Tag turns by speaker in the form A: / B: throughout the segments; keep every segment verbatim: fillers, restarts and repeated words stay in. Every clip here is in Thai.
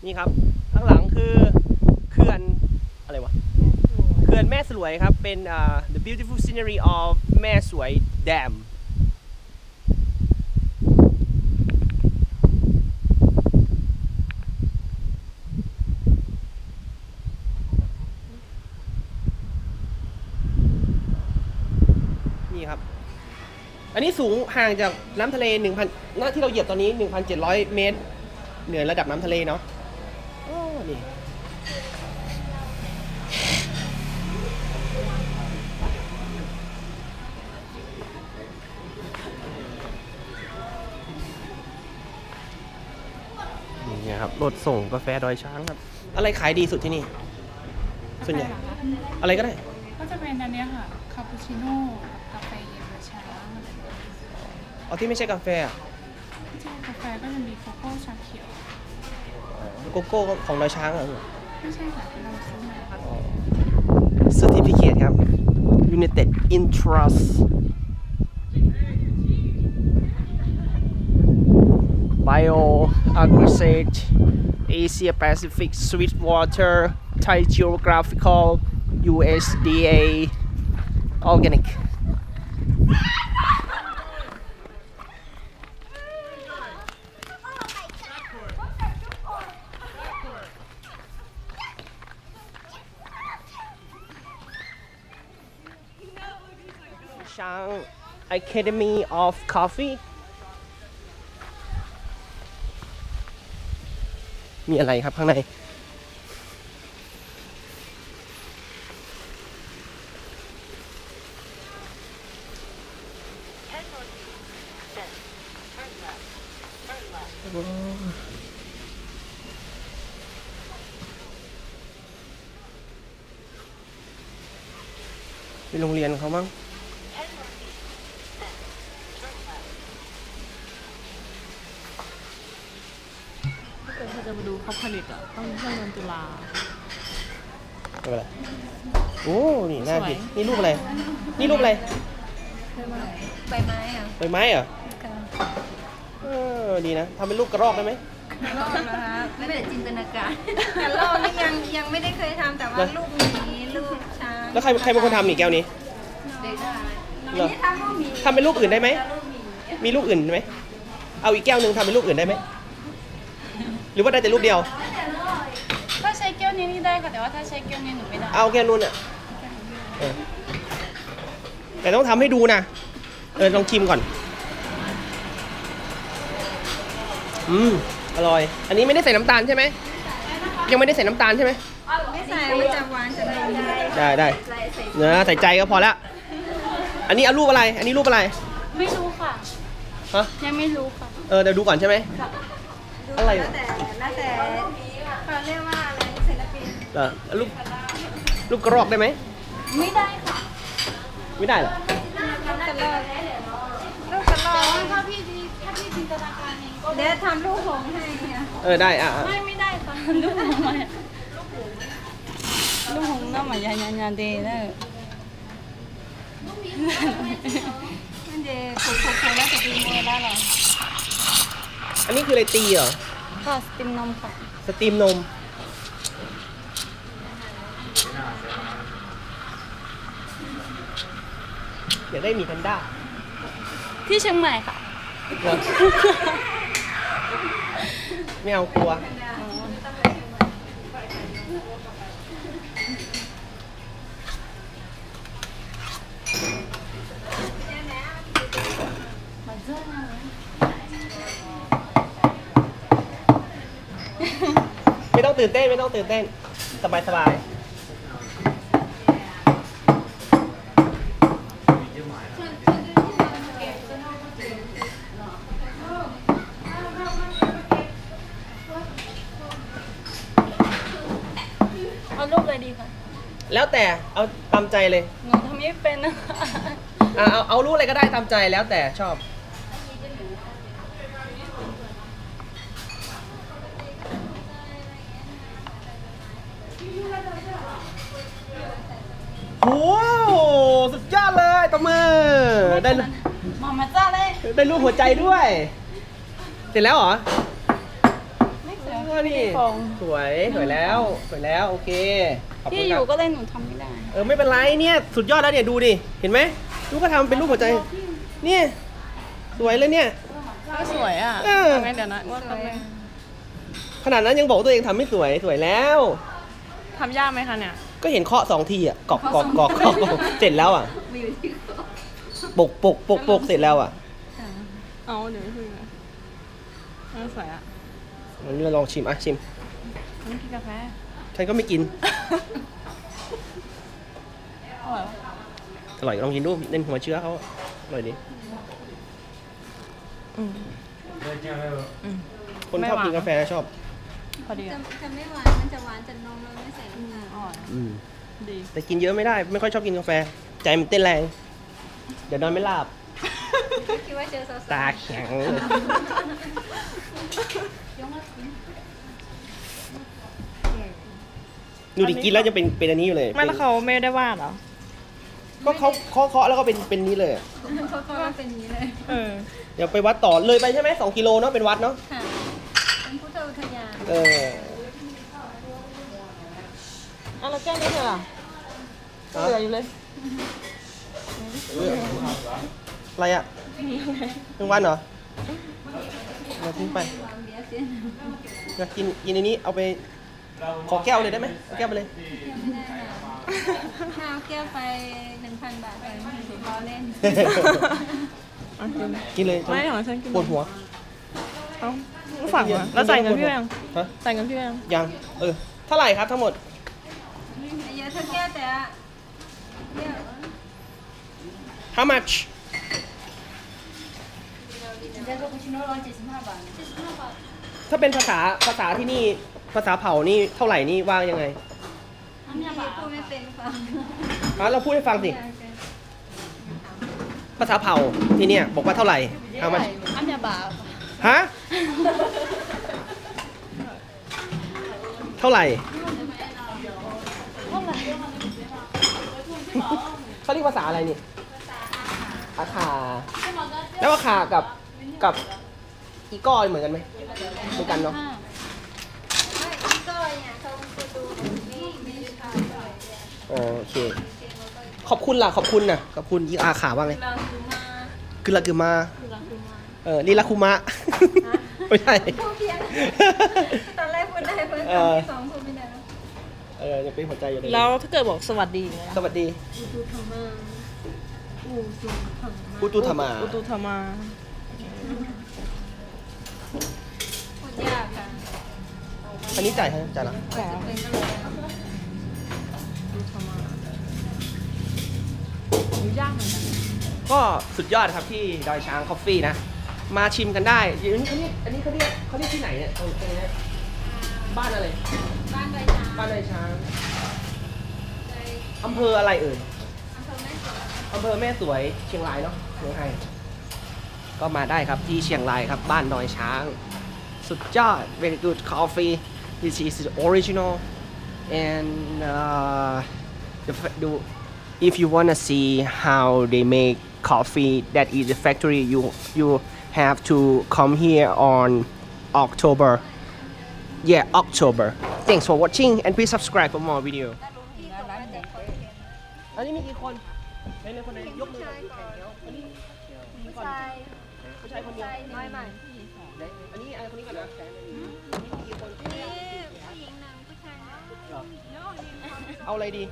A: นี่ครับข้างหลังคือเขื่อนอะไรวะเขื่อนแม่สลวยครับเป็น uh, the beautiful scenery of แม่สวย Dam นี่ครับอันนี้สูงห่างจากน้ำทะเล หนึ่งพัน หน้าที่เราเหยียบตอนนี้ หนึ่งพันเจ็ดร้อย เมตรเหนือระดับน้ำทะเลเนาะโอ้นี่นี่ครับรถส่งกาแฟดอยช้างครับอะไรขายดีสุดที่นี่ส่วนใหญ่อะไรก็ได้
B: ก็จะเป็นอันนี้ค่ะคาปูชิโน่กับกาแฟเย็นดอยช้าง
A: เอาที่ไม่ใช่กาแฟอ่ะ
B: ไม่ใช่กาแฟก็จะมีโกโก้ชาเขียว
A: โกโก้ของดอยช้างเหรอ
B: ไม่ใช่ค่ะเราซื้อมาค่ะ
A: Certificate ครับ United Interest Bio Agrisage Asia Pacific Sweetwater Thai Geographical U S D A Organic Shang Academy of Coffee มีอะไรครับข้างในเป็นโรงเรียนเขามั้ง
B: ถ้าเกิดเราจะมาดูเขาผลิตอ่ะต้องช่วงเดือนตุลา
A: อะไรโอ้นี่น่ากินนี่รูปอะไรนี่รูปอะไร
C: ใบไม้อ่ะ
A: ใบไม้เหรอเออดีนะทำเป็นรูปกระรอกได้ไหม
C: กระรอกนะคะไม่ได้จินตนาการกระรอกนี่ยังยังไม่ได้เคยทำแต่ว่ารูปหมีรูปช้าง
A: แล้วใครใครเป็นคนทำหมีแก้วนี้
C: เหรอทำรูปหมี
A: ทำเป็นรูปอื่นได้ไหมมีรูปอื่นไหมเอาอีกแก้วหนึ่งทำเป็นรูปอื่นได้ไหมหรือว่าได้แต่รูปเดียว
B: ถ้าใช้แก้วนี้นี่ได้ค่ะแต่ว่าถ้าใช้แก้วนี้หนูไม่ได้
A: เอาแก้วนู้นอ่ะแต่ต้องทำให้ดูนะเออลองชิมก่อนอืมอร่อยอันนี้ไม่ได้ใส่น้ำตาลใช่ไหมยังไม่ได้ใส่น้ำตาลใช่ไหม
C: ไม่ใส่มันจะหวานจะได้
A: ได้ได้เนื้อใส่ใจก็พอละอันนี้เอารูปอะไรอันนี้รูปอะไร
B: ไม่รู้ค่ะ
A: ฮะ
B: ยังไม่รู้ค่ะ
A: เออเดี๋ยวดูก่อนใช่ไหม
C: อะไรแล้วแต่แล้วแต่เขาเรียกว่าอะไรศิลปิน
A: เออรูปรูปกระรอกได้ไหม
B: ไม่ได้ค่ะ
A: ไม่ได้เหรอ
C: รูปกระรอกรูปกระรอก
B: ถ้าพี่ดีถ้าพี่จินตนาการเองก็
C: เดี๋ยวทำรูปหงให้เนี่ย
A: เออได้อ่ะ
B: ไม่ไม่ได้ค่ะรูปหงมารูปหงน้ำมันยายาเดย์เลยมันเดย์ผูกผูกผูกแล้วจะตีมือแล้วเหรอ
A: อันนี้คืออะไรตีเหรอ
B: ค่ะสตีมนมค่ะ
A: สตีมนมอยากได้หมีแพนด้า
B: ที่เชียงใหม่ค่ะ
A: ไม่เอากลัวไม่ต้องตื่นเต้นไม่ต้องตื่นเต้นสบายสบาย
B: เอารูปอะไรดีคะ
A: แล้วแต่เอาตามใจเลย
B: หนูทำไม่เป็นนะคะ
A: เอาเอารูปอะไรก็ได้ตามใจแล้วแต่ชอบโอ้สุดยอดเลยตบมือได้
B: มามาจ้าเลย
A: ได้รูปหัวใจด้วยเสร็จแล้วเหรอ
B: ไม่เสร็จ
A: นี่
B: ฟอง
A: สวยสวยแล้วสวยแล้วโอเคขอบคุ
B: ที่
A: ณ
B: อ
A: ครั
B: ยู่
A: บ
B: ก็เลยหนูทำไม่ได้
A: เออไม่เป็นไรเนี่ยสุดยอดแล้วเนี่ยดูดิเห็นไหมลูกก็ทำเป็นรูปหัวใจเนี่ยสวยเลยเนี่ย
B: ก็สวยอ่ะ
A: เออ
B: ทำไมเดี๋ยวนะว่าทำไม
A: ขนาดนั้นยังบอกว่าตัวเองทำไม่สวยสวยแล้ว
B: ทำยากไหมคะเนี่ย
A: ก็เห็นเคาะสองทีอ่ะกอกกอกกอกกอกกอกเสร็จแล้วอ่ะ
C: มาอยู่ที่เขา
A: ปกปกปกปกเสร็จแล้วอ่ะ
B: เอาเดี๋ยวไปคุยกันเออสวยอ่ะ
A: วันนี้เราลองชิมอ่ะชิม
B: ฉันกินกาแฟ
A: ฉันก็ไม่กิน
B: อร่อย
A: อร่อยลองกินดูเล่นหัวเชื้อเขาอร่อยดี
B: อืมอืม
A: คนชอบกินกาแฟชอบ
B: พอดี
C: จะ
B: อ่ะ
C: จะไม่หวานมันจะหวานจากนมเลยไม่ใส่น้ำตาล
B: อร่อย
A: อืม
B: ดี
A: แต่กินเยอะไม่ได้ไม่ค่อยชอบกินกาแฟ ใจมันเต้นแรง เดี๋ยวนอนไม่หลับ
C: คิดว่าเจอสาวๆ
A: ตาแข็งดูดิกินแล้วจะเป็นเป็นอันนี้อยู่เลย
B: ไม่แล้วเขาไม่ได้วาดเหรอ
A: ก็เขาเคาะเคาะแล้วก็เป็นเป็นนี้เลยอะ
C: เขาก็ว่าเป็นอย่างนี้เลย
B: เออ
A: เดี๋ยวไปวัดต่อเลยไปใช่ไหมสองกิโลเนาะเป็นวัดเนาะ
C: ค่ะเป็นพุทธอุทยาน
A: เออ
B: เอาแล้วแก้วนี้เธอล่ะเหลืออยู่เลย
A: อะไรอ่ะเป็นวันเหรอมาทิ้งไป
C: ความเบียร์เสียน
A: อยากกินกินในนี้เอาไปขอแก้วเลยได้ไหมเอาแก้วไปเลย
C: ยังไม่ได้ค่ะถ้าเอาแก้วไปหนึ่งพันบาทเลยล้อเล่น
B: เอากิน
A: กินเลย
B: ไม่ของฉันกิน
A: ปวดหัว
B: เอาฝากมาแล้วจ่ายเงินพี่ยัง
A: ฮะ
B: จ่ายเงินพี่ยัง
A: ยังเออเท่าไหร่ครับทั้งหมด
C: เยอะเท่าแก้วแต่อะเยอะ
A: how much ถ้าเป็นภาษาภาษาที่นี่ภาษาเผ่านี่เท่าไหร่นี่ว่างยังไง
C: พี่พูดไม่เป็นฟัง
A: อ่ะเราพูดให้ฟังสิ ภาษาเผ่าที่เนี่ยบอกว่าเท่าไหร่ how much
B: อันเนี้ยบาท
A: ฮะ เท่าไหร่ เขาเรียกภาษาอะไรนี่อาคา แล้วอาคากับกับอีก้อยเหมือนกันไหมเหมือนกันเนาะ
C: ไม่พี่ก้อยเนี่ยเขาจะดูนี่ไม่ได้ทำเลย
A: อ๋อโอเค ขอบคุณล่ะ ขอบคุณน่ะ ขอบคุณอีอาขาว่าไง
C: เราคือมา
A: คือละคือมา
C: คือเราคือมา
A: เออลีลาคุมะ ไม่ใช่
C: พูดเพี้ยนตอนแรกพูดได้เพิ่ม
A: เออ
C: สองพูดไม่ได้แล้ว
A: เออยังเป็นหัวใจอยู่เลย
B: แล้วถ้าเกิดบอกสวัสดีอย่างเงี้ย
A: สวัสดี
C: อูตูธรรมาอูตูธรรมา
A: อุตุธรรมา
B: อุตุธรรมา
C: พูดยากค่ะ
A: อันนี้จ่ายให้จ่ายละ
B: แต่
C: เป็นก็เลย
B: อุตุธรรมาดูยากเหมือนกัน
A: ก็สุดยอดครับที่ดอยช้างคอฟฟี่นะ มาชิมกันได้อันนี้เขาเรียกอันนี้เขาเรียกเขาเรียกที่ไหนเนี่ยตรงตรงนี้บ้านอะไร
C: บ้านใบช้าง
A: บ้านดอยช้าง
C: ใน
A: อำเภออะไรเอ่ย
C: อำเภอแม่สวย
A: อำเภอแม่สวยเชียงรายเนาะเมืองไทยก็มาได้ครับที่เชียงรายครับบ้านดอยช้าง สุดยอด very good coffee this is the original and uh, the, fa- the if you wanna see how they make coffee that is the factory you you have to come here on October yeah October thanks for watching and please subscribe for more video
C: ที่บอกว่าจะคอนเทนต์
A: อันนี้มีกี่คนไหนๆคนไหนยกมือหน่อยดูแขนแล้วอันนี้
C: ผู้ชาย
A: ผู้ชายคนเดียว
C: น้อยใหม่
A: ไหนอันนี้อันคนนี้ก่อนนะมีกี่คน
C: นี่ผู้หญิงหนึ่งผู้ชายหนึ่ง
A: เหรอเอาอะไรดี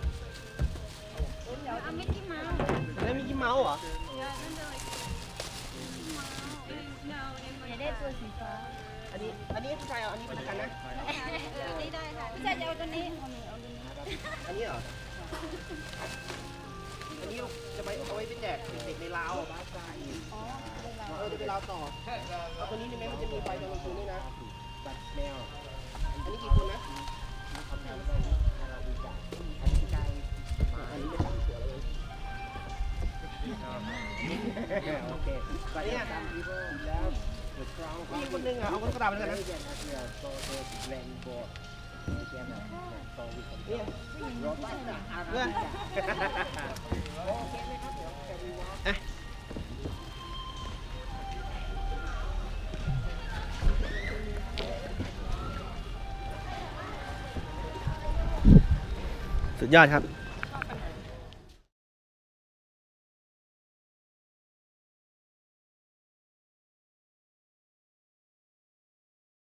C: เอามิกกี้เมาส์
A: แล้วมีกี่เมาส์เหรอ
C: อย่าได้ตัวสีฟ้า
A: อันนี้อันนี้ผู้ชายเอาอันนี้เป็นกันนะ
C: อันนี้ได้ค่ะผู้ชายจะเอาตัวนี้
A: อันนี้เหรออันนี้จะไปเอาไว้เป็นแดกเด็กในลาวเออจะไปลาวต่อเอาตัวนี้นี่ไหมมันจะมีไฟตอนกลางคืนด้วยนะบัตรแมวอันนี้กี่คนนะอันนี้ไม่ตั้งเสือเลยโอเคไปเนี่ยมีคนนึงอ่ะเอาคนกระดาษไปเลยนะเนี่ยเพื่อนอ่ะสุดยอดครับ